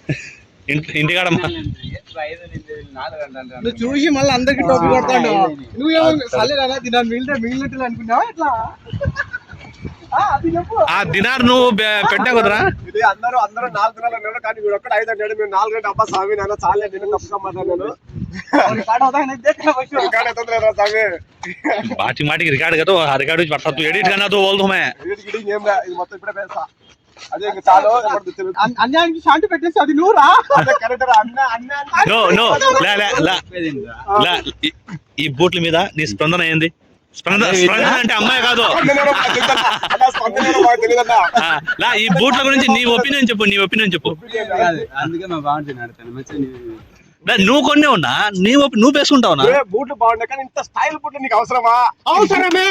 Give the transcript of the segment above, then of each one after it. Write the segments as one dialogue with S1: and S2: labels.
S1: ఇంటికాడ
S2: నువ్వు చూసి మళ్ళీ అందరికి టోపీ కొడతాడు. నువ్వేమో సలేరా దినాన్ని మిగిలినట్టు అనుకున్నావా ఎట్లా?
S1: ఆ దినార్ నువ్వు పెట్టా కదరా.
S3: ఇది అందరూ 4 దినాలు అన్నాడు కానీ వీడు ఒక్కడ 5 అన్నాడు. మేము 4 గంటల అబ్బా స్వామి నాన్న చాలే నేను తప్పుకోమన్నాను.
S1: बाटी माटी रिकॉर्ड कर तो रिकॉर्ड में पड़ता तू एडिट करना तो बोल दो मैं
S3: ఎడిటింగ్ ఏం రా ఇది మొత్తం ఇప్పుడే పెడతా. అదే ఇంకా చాలు
S2: అన్యానికి శాంతి పెట్టేసి అది నువ్వురా.
S3: అదే కరెక్ట్ రా అన్న అన్న
S1: నో నో లా లా లా లా ఈ బూట్ల మీద నీ స్పందన ఏంది? స్పందన అంటే అమ్మాయి కాదు. లా ఈ బూట్ల గురించి నీ ఒపీనియన్ చెప్పు.
S4: అందుకే మా బాగుంటుంది.
S1: నువ్వు కొన్నే ఉన్నా నువ్వు వేసుకుంటావు.
S3: బూట్లు బాగుండే కానీ ఇంత స్టైల్ బూట్లు నీకు అవసరమా?
S2: అవసరమే.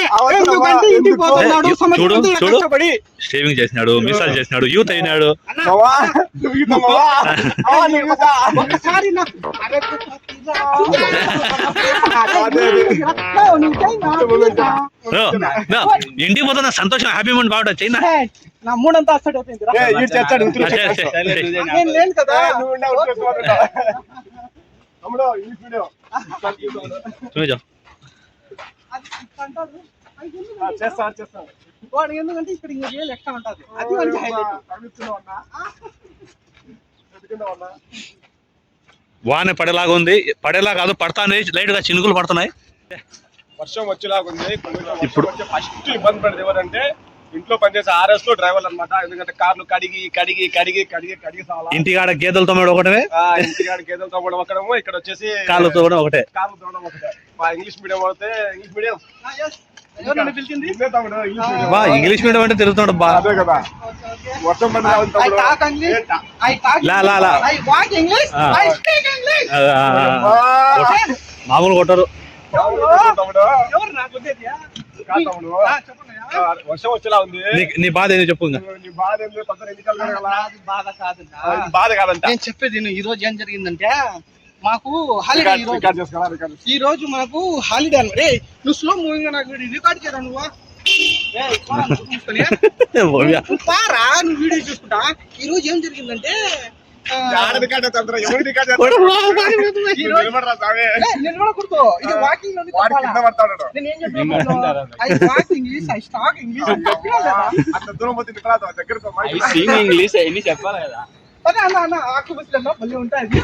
S1: చూడు చూడు షేవింగ్ చేసినాడు, మిసాల్ చేసినాడు, యూత్ అయినాడు. ఇంటికి పోతున్నా సంతోషం, హ్యాపీ మూమెంట్ బాగుంటుంది. చైనా
S2: నా మూడంతా అసలు ఎందుకంటే ఇక్కడ ఇంకా రియల్ ఎక్కడ ఉంటుంది. అది
S1: వాన పడేలాగా ఉంది. పడేలా కాదు, పడతానే లైట్ గా చినుకులు పడుతున్నాయి.
S3: వర్షం వచ్చేలాగా ఉంది. ఇప్పుడు ఫస్ట్ ఇబ్బంది పడేది ఎవరంటే ఇంట్లో పనిచేసే ఆర్ఎస్ లో డ్రైవర్లు అనమాట. ఎందుకంటే కార్లు కడిగి కడిగి కడిగి కడిగి కడిగి
S1: ఇంటికాడ గేదెలతో ఒకటే,
S3: ఇంటికాడ గేదెలతో కూడా ఒకటము, ఇక్కడ వచ్చేసి
S1: కాళ్ళతో కూడా ఒకటే.
S3: కార్లు తోవడం ఒకటే. మా ఇంగ్లీష్ మీడియం అయితే ఇంగ్లీష్ మీడియం
S1: ఇంగ్లీష్ మీడియం అంటే తిరుగుతాడు బా.
S3: అదే కదా వర్షం
S1: మామూలు కొట్టారు.
S3: వర్షం వచ్చేలా ఉంది.
S1: నీ బాధ ఏంది చెప్పు.
S3: బాధ కాదంట.
S2: నేను చెప్పేది ఈ రోజు ఏం జరిగిందంటే మాకు హాలిడే. ఈ రోజు మాకు హాలిడే అన్నమాట. నువ్వు స్లో మూవింగ్ నాకు రికార్డ్ చేయరా నువ్వు పారా, నువ్వు వీడియో చూసుకుంటా. ఈ రోజు ఏం జరిగిందంటే నిలబడకూడదు. ఇది వాకింగ్
S4: ఇంగ్లీష్ చెప్పాలి కదా.
S2: అదే అన్న అన్న ఆకు బస్సులు మళ్ళీ ఉంటాయి.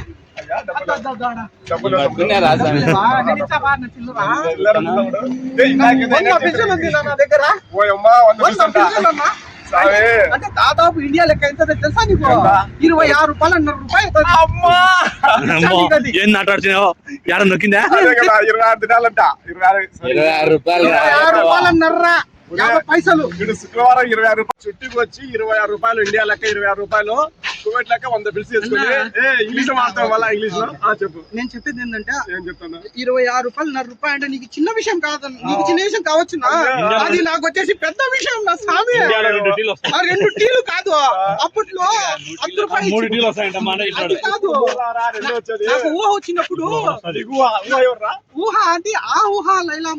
S2: అంటే దాదాపు ఇండియా లెక్క ఎంత తెలుసా నీకు? 26 రూపాయలు 1.5 రూపాయలు.
S1: ఏం నాటాడుతున్నావు? ఎడ నొక్కిందా?
S3: 26 దినాలంట.
S4: 26 రూపాయలు
S2: 50 పైసలు.
S3: శుక్రవారం 26 రూపాయలు చుట్టికి వచ్చి 26 రూపాయలు ఇండియా లెక్క 26 రూపాయలు కువైట్ లెక్క 100 బిల్స్ చేసుకుని ఇంగ్లీష్ మాట్లాడడం వల్ల ఇంగ్లీష్ లో చెప్పు.
S2: నేను చెప్పేది ఏంటంటే
S3: ఏం చెప్తాను,
S2: 26 రూపాయలు 1.5 రూపాయలు అంటే నీకు చిన్న విషయం కాదు. నీకు చిన్న విషయం కావచ్చు, అది నాకు వచ్చేసి పెద్ద విషయం. నా స్వామి 2 టీలు కాదు, అప్పట్లో 10 రూపాయలు 3 టీలు వస్తాయంట. కాదు నాకు ఊహ వచ్చినప్పుడు ఊహ అంటే ఆ ఊహ లైలా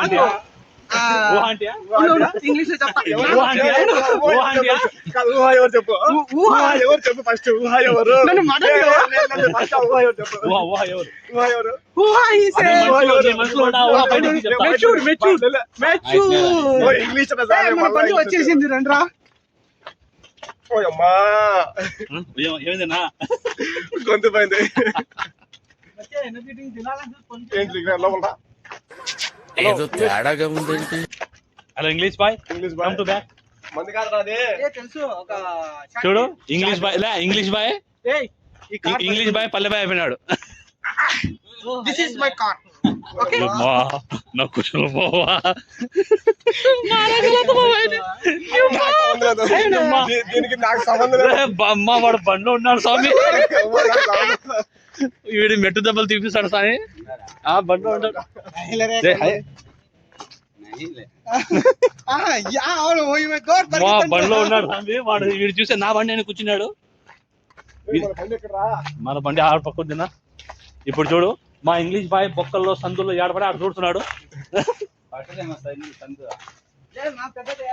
S2: ఇంగ్లీష్ లో చెప్తా.
S3: ఎవరు చెప్పు, ఎవరు చెప్పు ఫస్ట్. ఊహ ఎవరు?
S2: ఇంగ్లీష్ వచ్చేసింది రండ్రా.
S3: ఓయమ్మా గొంతు పోయింది.
S4: ఏదో తేడాగా ఉందేంటి?
S1: Hello English boy,
S3: English
S1: come to back.
S3: మంది కాదు రాదే
S2: తెలుసు.
S1: చూడు English boy English boy English boy పల్లె బాయ్ అయిపోయినాడు.
S2: This is my car. Okay
S1: నా కుశల పోవా
S3: దీనికి నాకు సంబంధం లేదు.
S1: అమ్మ వాడు బండ్లో ఉన్నాడు స్వామి. వీడి మెట్టు దెబ్బలు తీపిస్తాడు స్వామి. ఆ బండ్లో ఉంటాడు. బండ్లో ఉన్నాడు స్వామి వాడు. వీడు చూస్తే నా బండి అని కూర్చున్నాడు. మన బండి ఆడ పక్కొద్దినా. ఇప్పుడు చూడు మా ఇంగ్లీష్ బాయ్ బొక్కల్లో సందుల్లో ఏడపడి ఆడ చూడుతున్నాడు.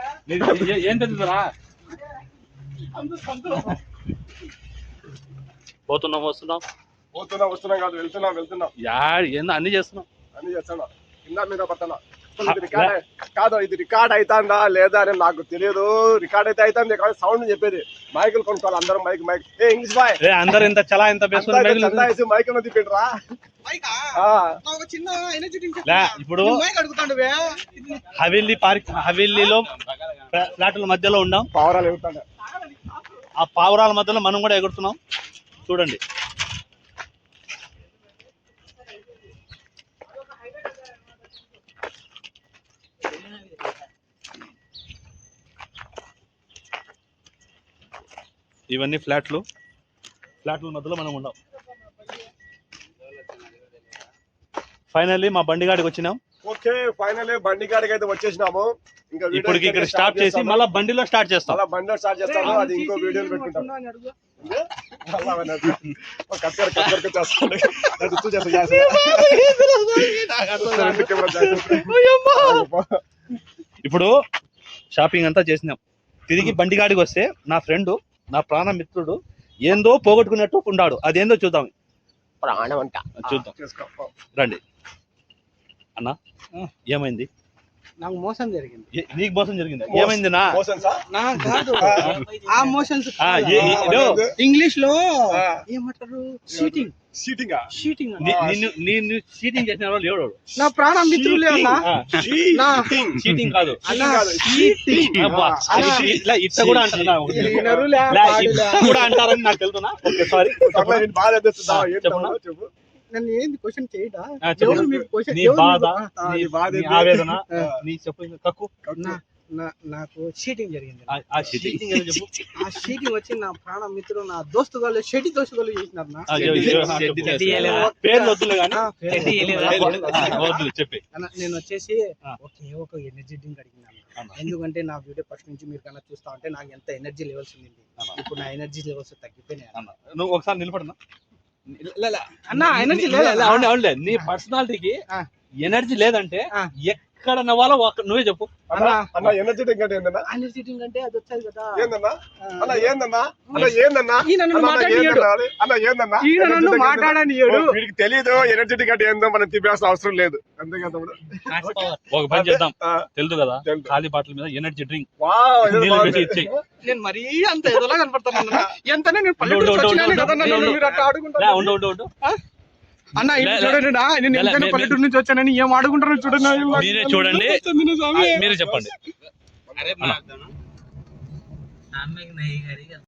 S1: ఏం తెలుసురా? పోతున్నాం వస్తున్నాం
S3: వస్తున్నాం కాదు వెళ్తున్నాం
S1: ఏందో అన్ని చేస్తున్నాం.
S3: అని చేస్తాను కింద మీద పడుతున్నా. కాదు ఇది రికార్డ్ అవుతుందా లేదా అని నాకు తెలియదు. రికార్డ్ అయితే అవుతుంది కానీ సౌండ్ చెప్పేది. మైకులు కొనుక్కోవాలి అందరం. మైక్ ఏ ఇంగ్లీష్ బాయ్
S1: అందరు ఇంత చలా ఇంత
S3: మైక్ ఉన్నది పెట్టరా.
S2: ఒక చిన్న ఎనర్జీ డ్రింక్
S1: ఇప్పుడు
S2: మైక్ అడుగుతాడు
S1: హవేలీలో ఫ్లాట్ల మధ్యలో ఉన్నాం.
S3: పావురాలు ఎగురుతాడు.
S1: ఆ పావురాల మధ్యలో మనం కూడా ఎగురుతున్నాం చూడండి. ఇవన్నీ ఫ్లాట్ల మధ్యలో మనం ఉన్నాం. ఫైనల్లీ మా బండిగాడికి వచ్చినాం.
S3: ఓకే ఫైనల్లీ బండిగాడికి అయితే వచ్చేసినాము. ఇంకా
S1: ఇప్పటికి ఇక్కడ స్టార్ట్ చేసి మళ్ళీ బండిలో స్టార్ట్ చేస్తాం.
S3: అలా బండిలో స్టార్ట్ చేస్తాము. అది ఇంకో వీడియోలు పెట్టుకుంటాం.
S1: ఇప్పుడు షాపింగ్ అంతా చేసినాం. తిరిగి బండిగాడికి వస్తే నా ఫ్రెండ్ నా ప్రాణ మిత్రుడు ఏందో పోగొట్టుకున్నట్టు ఉన్నాడు. అదేందో చూద్దాం.
S3: ప్రాణం అంట
S1: చూద్దాం రండి. అన్నా ఏమైంది?
S2: నాకు మోసం జరిగింది.
S1: నీకు మోసం జరిగింది? ఏమైంది నా
S2: కాదు ఆ మోషన్స్ ఇంగ్లీష్ లో ఏమంటారు? షీటింగ్
S1: నిన్ను చీటింగ్ చేసిన వాళ్ళు ఎవడు?
S2: నా ప్రాణ మిత్రులే అన్నా.
S1: చీటింగ్ కాదు ఇట్లా కూడా అంటారని నాకు తెలుసునా. సారీ
S3: చెప్పు.
S2: నన్ను ఏంది క్వశ్చన్ చేయడా?
S1: నీ బాధ నీ ఆవేదన నీ చెప్పు. కక్కు.
S2: నాకు షీటింగ్ జరిగింది.
S1: ఆ షీటింగ్
S2: ఆ షీటింగ్ వచ్చి నా ప్రాణ మిత్రుడు నా దోస్తు గారు షెట్టి దోస్తు గారు చేసినారు.
S1: పేర్లు వద్దులే కానీ చెప్పి
S2: నేను వచ్చేసి ఒక ఎనర్జీ డ్రింక్ అడిగినాను. ఎందుకంటే నా వీడియో ఫస్ట్ నుంచి మీరు కన్నా చూస్తా ఉంటే నాకు ఎంత ఎనర్జీ లెవెల్స్ ఉంది. ఇప్పుడు నా ఎనర్జీ లెవెల్స్ తగ్గిపోయినాయి.
S1: నువ్వు ఒకసారి నిలబడనా
S2: అన్నా? ఎనర్జీ
S1: అవునులే. నీ పర్సనాలిటీకి ఎనర్జీ లేదంటే ఎక్కడ నవ్వాలో నువ్వే చెప్పు.
S3: అన్న ఎనర్జీ డ్రింక్ అంటే ఏందన్నా?
S2: ఎనర్జీ డ్రింక్ అంటే అది వచ్చాయి కదా.
S3: ఏందన్నా అన్న ఏందన్నా అన్న ఏందన్నా
S2: మాట్లాడనియడు.
S3: వీడికి తెలియదు ఎనర్జీ డ్రింక్ అంటే ఏందో మనం తిప్పాల్సిన అవసరం లేదు. అంతే కదా.
S1: ఒక పని చేద్దాం. తెలుసు కదా ఖాళీ బాటిల్ మీద ఎనర్జీ డ్రింక్ ఇచ్చేయి.
S2: నేను మరీ అంత ఎదలా కనపడతాను. ఎంతనే నేను పల్లెటూరు అన్న చూడండి. నేను ఎంతైనా పల్లెటూరు నుంచి వచ్చానని ఏం ఆడుకుంటారో చూడండి.
S1: మీరే చూడండి. మీరే చెప్పండి.